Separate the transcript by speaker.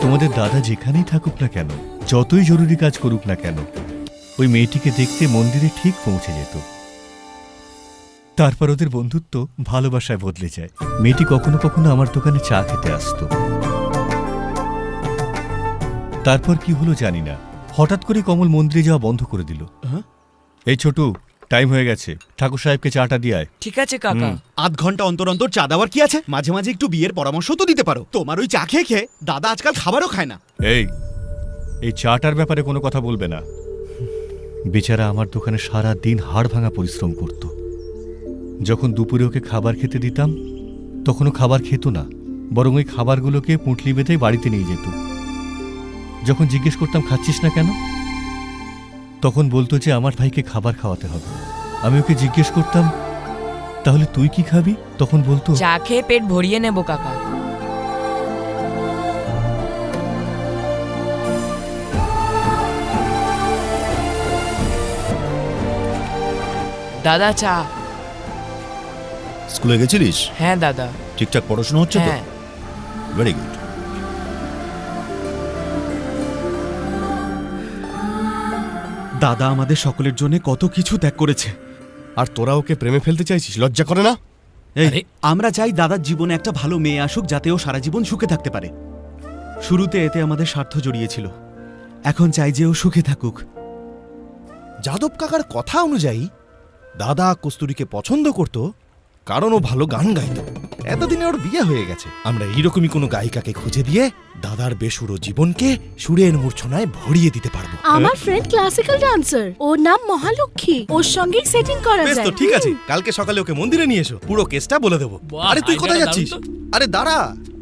Speaker 1: তোমাদের দাদা যেখানেই থাকুক না কেন, যতই জরুরি কাজ করুক না কেন, ওই মেয়েটিকে দেখতে মন্দিরে ঠিক পৌঁছে যেত। তারপর ওদের বন্ধুত্ব ভালোবাসায় বদলে যায়। মেয়েটি কখনো কখনো আমার দোকানে চা খেতে আসতো। তারপর কি হলো জানি না, হঠাৎ করে কমল মন্দিরে যাওয়া বন্ধ করে দিল। এই ছোটু, টাইম হয়ে গেছে, ঠাকুর সাহেবকে চাটা দিয়ে আয়।
Speaker 2: ঠিক আছে কাকা।
Speaker 3: আধ ঘন্টা অন্তর অন্তর চা দেওয়ার কি আছে? মাঝে মাঝে একটু বিয়ের পরামর্শ তো দিতে পারো। তোমার ওই চা খেয়ে খেয়ে দাদা আজকাল খাবারও খায় না।
Speaker 1: এই চাটার ব্যাপারে কোনো কথা বলবে না। বেচারা আমার দোকানে সারা দিন হাড় ভাঙা পরিশ্রম করত। যখন দুপুরে ওকে খাবার খেতে দিতাম তখনও খাবার খেত না, বরং ওই খাবারগুলোকে পুঁটলি বেঁধে বাড়িতে নিয়ে যেত। যখন জিজ্ঞেস করতাম খাচ্ছিস না কেন, তখন বলতো যে আমার ভাইকে খাবার খাওয়াতে হবে। আমি ওকে জিজ্ঞেস করতাম তাহলে তুই কি খাবি, তখন বলতো
Speaker 2: চা খেয়ে পেট ভরিয়ে নেব কাকা। দাদা চা।
Speaker 4: স্কুলে গেছিলিস?
Speaker 2: হ্যাঁ দাদা।
Speaker 4: ঠিকঠাক পড়াশোনা হচ্ছে তো?
Speaker 2: হ্যাঁ।
Speaker 4: Very good.
Speaker 3: দাদা আমাদের সকলের জন্য কত কিছু ত্যাগ করেছে।
Speaker 5: আর তোরা ওকে প্রেমে ফেলতে চাইছিস? লজ্জা করে না?
Speaker 3: এই আমরা চাই দাদার জীবনে একটা ভালো মেয়ে আসুক, যাতে ও সারা জীবন সুখে থাকতে পারে। শুরুতে এতে আমাদের স্বার্থ জড়িয়েছিল, এখন চাই যে ও সুখে থাকুক।
Speaker 5: যাদব কাকার কথা অনুযায়ী দাদা কস্তুরীকে পছন্দ করত কারণ ও ভালো গান গাইত। এতদিনে ওর বিয়ে হয়ে গেছে। আমরা এইরকমই কোনো গায়িকাকে খুঁজে দিয়ে দাদার বেসুরো জীবনকে সুরের মূর্ছনায় ভরিয়ে দিতে পারবো।
Speaker 6: আমার ফ্রেন্ড ক্লাসিক্যাল ডান্সার, ওর নাম মহালক্ষ্মী, ওর সঙ্গেই সেটিং করা
Speaker 5: বেশ
Speaker 6: যায়।
Speaker 5: তো, ঠিক আছে, কালকে সকালে ওকে মন্দিরে নিয়ে এসো, পুরো কেসটা বলে দেবো। আরে তুই কোথায় যাচ্ছিস? আরে দাঁড়া।